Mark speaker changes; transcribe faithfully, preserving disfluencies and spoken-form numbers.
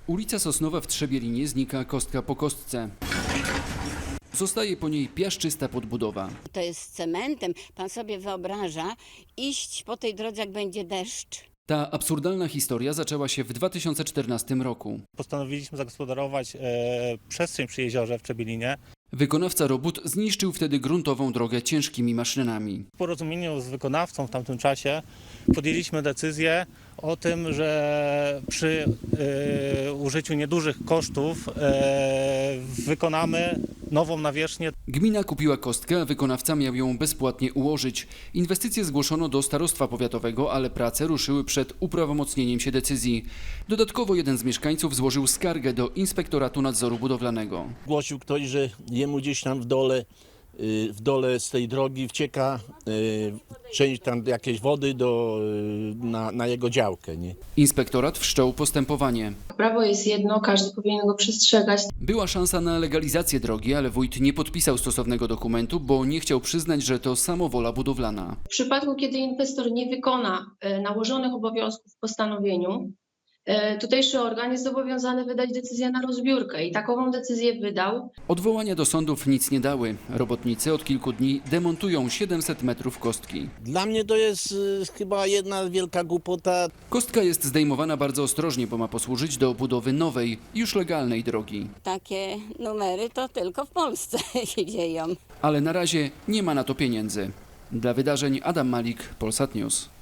Speaker 1: Ulica Sosnowa w Trzebielinie znika kostka po kostce. Zostaje po niej piaszczysta podbudowa.
Speaker 2: To jest z cementem. Pan sobie wyobraża iść po tej drodze, jak będzie deszcz.
Speaker 1: Ta absurdalna historia zaczęła się w dwa tysiące czternastym roku.
Speaker 3: Postanowiliśmy zagospodarować e, przestrzeń przy jeziorze w Trzebielinie.
Speaker 1: Wykonawca robót zniszczył wtedy gruntową drogę ciężkimi maszynami.
Speaker 3: W porozumieniu z wykonawcą w tamtym czasie podjęliśmy decyzję o tym, że przy e, użyciu niedużych kosztów e, wykonamy nową nawierzchnię.
Speaker 1: Gmina kupiła kostkę, a wykonawca miał ją bezpłatnie ułożyć. Inwestycje zgłoszono do starostwa powiatowego, ale prace ruszyły przed uprawomocnieniem się decyzji. Dodatkowo jeden z mieszkańców złożył skargę do Inspektoratu Nadzoru Budowlanego.
Speaker 4: Głosił ktoś, że jemu gdzieś tam w dole, y, w dole z tej drogi wcieka y, część tam jakiejś wody do, y, na, na jego działkę. Nie?
Speaker 1: Inspektorat wszczął postępowanie.
Speaker 5: Prawo jest jedno, każdy powinien go przestrzegać.
Speaker 1: Była szansa na legalizację drogi, ale wójt nie podpisał stosownego dokumentu, bo nie chciał przyznać, że to samowola budowlana.
Speaker 5: W przypadku, kiedy inwestor nie wykona e, nałożonych obowiązków w postanowieniu, e, tutejszy organ jest zobowiązany wydać decyzję na rozbiórkę i takową decyzję wydał.
Speaker 1: Odwołania do sądów nic nie dały. Robotnicy od kilku dni demontują siedemset metrów kostki.
Speaker 4: Dla mnie to jest y, chyba jedna wielka głupota.
Speaker 1: Kostka jest zdejmowana bardzo ostrożnie, bo ma posłużyć do budowy nowej, już legalnej drogi.
Speaker 2: Takie numery to tylko w Polsce się dzieją.
Speaker 1: Ale na razie nie ma na to pieniędzy. Dla wydarzeń Adam Malik, Polsat News.